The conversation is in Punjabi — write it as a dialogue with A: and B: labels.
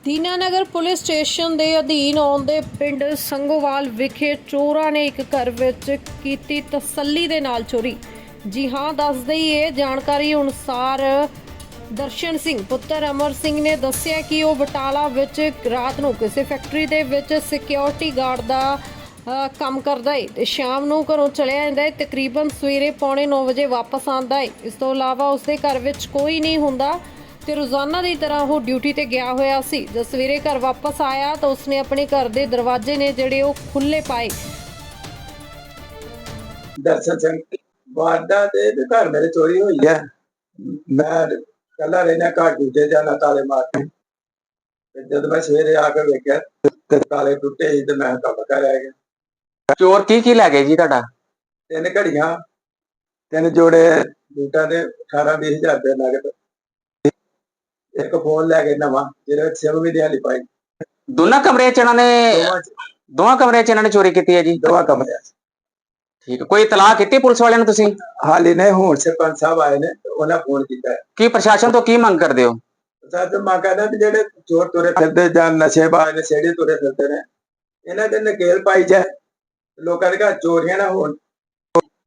A: ਦੀਨਾਨਗਰ ਪੁਲਿਸ ਸਟੇਸ਼ਨ ਦੇ ਅਧੀਨ ਆਉਂਦੇ ਪਿੰਡ ਸੰਗੋਵਾਲ ਵਿਖੇ ਚੋਰਾਂ ਨੇ ਇੱਕ ਘਰ ਵਿੱਚ ਕੀਤੀ ਤਸੱਲੀ ਦੇ ਨਾਲ ਚੋਰੀ। ਜੀ ਹਾਂ, ਦੱਸ ਦਈਏ ਜਾਣਕਾਰੀ ਅਨੁਸਾਰ ਦਰਸ਼ਨ ਸਿੰਘ ਪੁੱਤਰ ਅਮਰ ਸਿੰਘ ਨੇ ਦੱਸਿਆ ਕਿ ਉਹ ਬਟਾਲਾ ਵਿੱਚ ਰਾਤ ਨੂੰ ਕਿਸੇ ਫੈਕਟਰੀ ਦੇ ਵਿੱਚ ਸਿਕਿਉਰਿਟੀ ਗਾਰਡ ਦਾ ਕੰਮ ਕਰਦਾ ਹੈ ਤੇ ਸ਼ਾਮ ਨੂੰ ਘਰੋਂ ਚਲਿਆ ਜਾਂਦਾ ਹੈ। ਤਕਰੀਬਨ ਸਵੇਰੇ 9:45 ਵਜੇ ਵਾਪਸ ਆਉਂਦਾ ਹੈ। ਇਸ ਤੋਂ ਇਲਾਵਾ ਉਸਦੇ ਘਰ ਵਿੱਚ ਕੋਈ ਨਹੀਂ ਹੁੰਦਾ ਤੇ ਰੋਜ਼ਾਨਾ ਦੀ ਤਰ੍ਹਾਂ ਉਹ ਡਿਊਟੀ ਤੇ ਗਿਆ ਹੋਇਆ ਸੀ। ਜਦ ਸਵੇਰੇ ਘਰ ਵਾਪਸ ਆਇਆ ਤਾਂ ਉਸਨੇ ਆਪਣੇ ਘਰ ਦੇ ਦਰਵਾਜ਼ੇ ਨੇ ਜਿਹੜੇ ਉਹ ਖੁੱਲੇ ਪਾਏ।
B: ਦਰਸ਼ਨ ਸਿੰਘ ਵਾਰਦਾ ਦੇ ਘਰ ਮੇਰੇ ਚੋਰੀ ਹੋਈ ਹੈ। ਮੈਂ ਕੱਲਾ ਰਹਿਣਾ ਘਰ ਦੂਜੇ ਜਾਣਾ ਤਾਲੇ ਮਾਰ ਕੇ। ਜਦ ਮੈਂ ਸਵੇਰੇ ਆ ਕੇ ਵੇਖਿਆ ਤੇ ਤਾਲੇ ਟੁੱਟੇ ਸੀ ਤੇ ਮੈਂ ਕੰਮ ਕਰ ਰਹਿ ਗਿਆ।
C: ਚੋਰ ਕੀ ਲੈ ਗਏ ਜੀ ਤੁਹਾਡਾ?
B: 3 ਘੜੀਆਂ, 3 ਜੋੜੇ ਬੂਟਾਂ ਦੇ 18-20 ਹਜ਼ਾਰ ਰੁਪਏ ਨਗਦ, ਇੱਕ ਫੋਨ ਲੈ ਕੇ ਨਵਾਂ ਜਿਹਦੇ ਵਿੱਚ ਸਿਮ ਵੀ ਦਿਹਾੜੀ ਪਾਈ।
C: ਦੋਵਾਂ ਕਮਰਿਆਂ 'ਚ ਇਹਨਾਂ ਨੇ ਚੋਰੀ ਕੀਤੀ ਹੈ ਜੀ?
B: ਦੋਵਾਂ ਕਮਰਿਆਂ 'ਚ।
C: ਠੀਕ ਹੈ, ਕੋਈ ਇਤਲਾਹ ਕੀਤੀ ਪੁਲਿਸ ਵਾਲਿਆਂ ਨੂੰ ਤੁਸੀਂ?
B: ਹਾਲੇ ਨੇ ਹੁਣ ਸਰਪੰਚ ਸਾਹਿਬ ਆਏ ਨੇ, ਉਹਨਾਂ ਫੋਨ ਕੀਤਾ ਹੈ।
C: ਕੀ ਪ੍ਰਸ਼ਾਸਨ ਤੋਂ ਕੀ ਮੰਗ ਕਰਦੇ ਹੋ?
B: ਪ੍ਰਸ਼ਾਸਨ ਮੰਗ ਕਰਦਾ ਵੀ ਜਿਹੜੇ ਚੋਰ ਤੁਰੇ ਫਿਰਦੇ ਜਾਂ ਨਸ਼ੇਬਾਜ਼ ਨਸ਼ੇੜੀ ਤੁਰੇ ਫਿਰਦੇ ਨੇ, ਇਹਨਾਂ ਦੇ ਨਕੇਲ ਪਾਈ ਜਾਏ, ਲੋਕਾਂ ਦੇ ਘਰ ਚੋਰੀਆਂ ਨਾ ਹੋਣ।